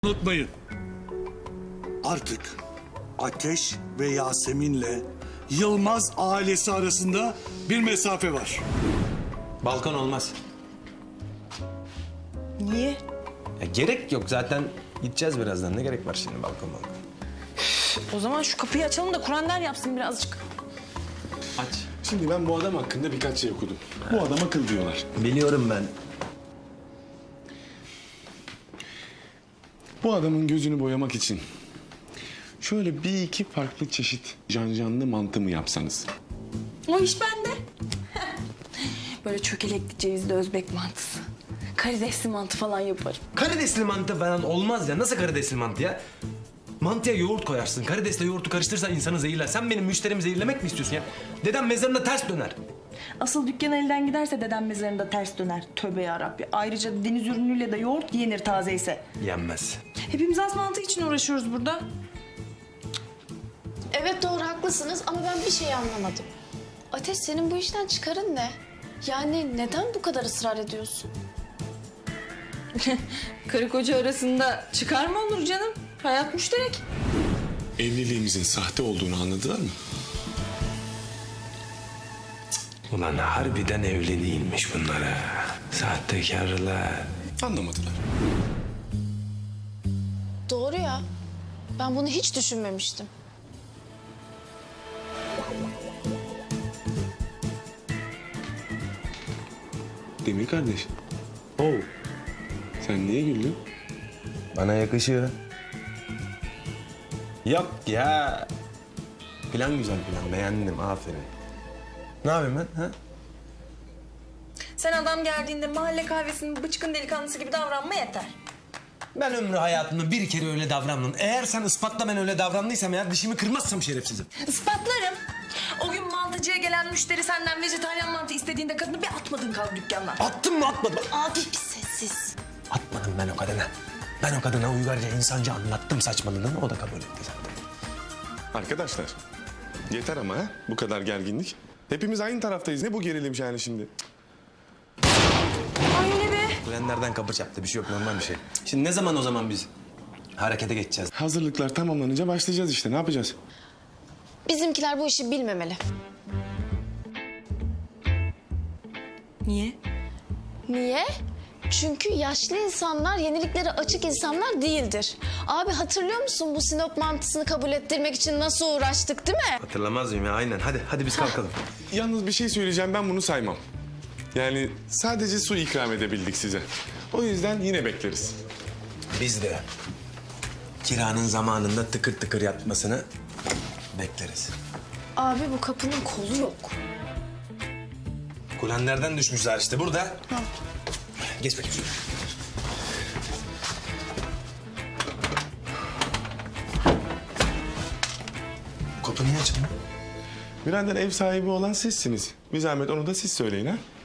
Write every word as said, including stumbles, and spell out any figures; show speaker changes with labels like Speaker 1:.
Speaker 1: Unutmayın. Artık Ateş ve Yasemin'le Yılmaz ailesi arasında bir mesafe var.
Speaker 2: Balkon olmaz.
Speaker 3: Niye?
Speaker 2: Ya gerek yok zaten gideceğiz birazdan. Ne gerek var şimdi balkon balkon?
Speaker 3: O zaman şu kapıyı açalım da Kur'an der yapsın birazcık.
Speaker 2: Aç.
Speaker 4: Şimdi ben bu adam hakkında birkaç şey okudum. Bu adam akıl diyorlar.
Speaker 2: Biliyorum ben.
Speaker 4: Bu adamın gözünü boyamak için şöyle bir iki farklı çeşit cancanlı mantı mı yapsanız?
Speaker 3: O iş bende. Böyle çökelekli cevizli Özbek mantısı. Karidesli mantı falan yaparım.
Speaker 2: Karidesli mantı falan olmaz ya. Nasıl karidesli mantı ya? Mantıya yoğurt koyarsın. Karidesle yoğurtu karıştırırsan insanı zehirler. Sen benim müşterimi zehirlemek mi istiyorsun ya? Dedem mezarında ters döner.
Speaker 3: Asıl dükkan elden giderse dedem mezarında ters döner. Tövbe yarabbi. Ayrıca deniz ürünüyle de yoğurt yenir taze ise.
Speaker 2: Yenmez.
Speaker 3: Hepimiz az mantı için uğraşıyoruz burada.
Speaker 5: Evet doğru haklısınız ama ben bir şey anlamadım. Ateş senin bu işten çıkarın ne? Yani neden bu kadar ısrar ediyorsun?
Speaker 3: Karı koca arasında çıkar mı olur canım? Hayat müşterek.
Speaker 4: Evliliğimizin sahte olduğunu anladılar mı?
Speaker 2: Ulan harbiden evli değilmiş bunlara. Sahtekarlar.
Speaker 4: Anlamadılar.
Speaker 5: Doğru ya. Ben bunu hiç düşünmemiştim.
Speaker 4: Demir kardeş,
Speaker 2: Oh.
Speaker 4: sen niye güldün?
Speaker 2: Bana yakışıyor. Yok ya. Plan güzel plan. Beğendim. Aferin. Ne yapayım ben? Ha?
Speaker 3: Sen adam geldiğinde mahalle kahvesinin bıçkın delikanlısı gibi davranma yeter.
Speaker 2: Ben ömrü hayatımda bir kere öyle davrandım. Eğer sen ispatla ben öyle davrandıysam eğer dişimi kırmazsam şerefsizim.
Speaker 3: Ispatlarım. O gün mantıcıya gelen müşteri senden vejetaryen mantı istediğinde kadını bir atmadın kaldı dükkandan.
Speaker 2: Attım mı atmadım mı?
Speaker 5: Abi bir sessiz.
Speaker 2: Atmadım ben o kadına. Ben o kadına uygarca insanca anlattım saçmalığını. O da kabul etti zaten.
Speaker 4: Arkadaşlar, yeter ama ha? Bu kadar gerginlik. Hepimiz aynı taraftayız. Ne bu gerilim yani şimdi?
Speaker 3: Ay öyle be.
Speaker 2: Kulenlerden kapı çarptı. Bir şey yok, normal bir şey. Şimdi ne zaman o zaman biz harekete geçeceğiz?
Speaker 4: Hazırlıklar tamamlanınca başlayacağız işte. Ne yapacağız?
Speaker 5: Bizimkiler bu işi bilmemeli.
Speaker 3: Niye?
Speaker 5: Niye? Çünkü yaşlı insanlar yeniliklere açık insanlar değildir. Abi hatırlıyor musun bu Sinop mantısını kabul ettirmek için nasıl uğraştık değil mi?
Speaker 2: Hatırlamaz mıyım ya? Aynen. Hadi, hadi biz kalkalım.
Speaker 4: Yalnız bir şey söyleyeceğim. Ben bunu saymam. Yani sadece su ikram edebildik size. O yüzden yine bekleriz.
Speaker 2: Biz de kiranın zamanında tıkır tıkır yatmasını bekleriz.
Speaker 5: Abi bu kapının kolu yok.
Speaker 2: Kulenlerden düşmüşler işte burada. Geç bakayım şuraya. Bu kapı niye açıldı?
Speaker 4: Birader ev sahibi olan sizsiniz. Bir zahmet onu da siz söyleyin ha.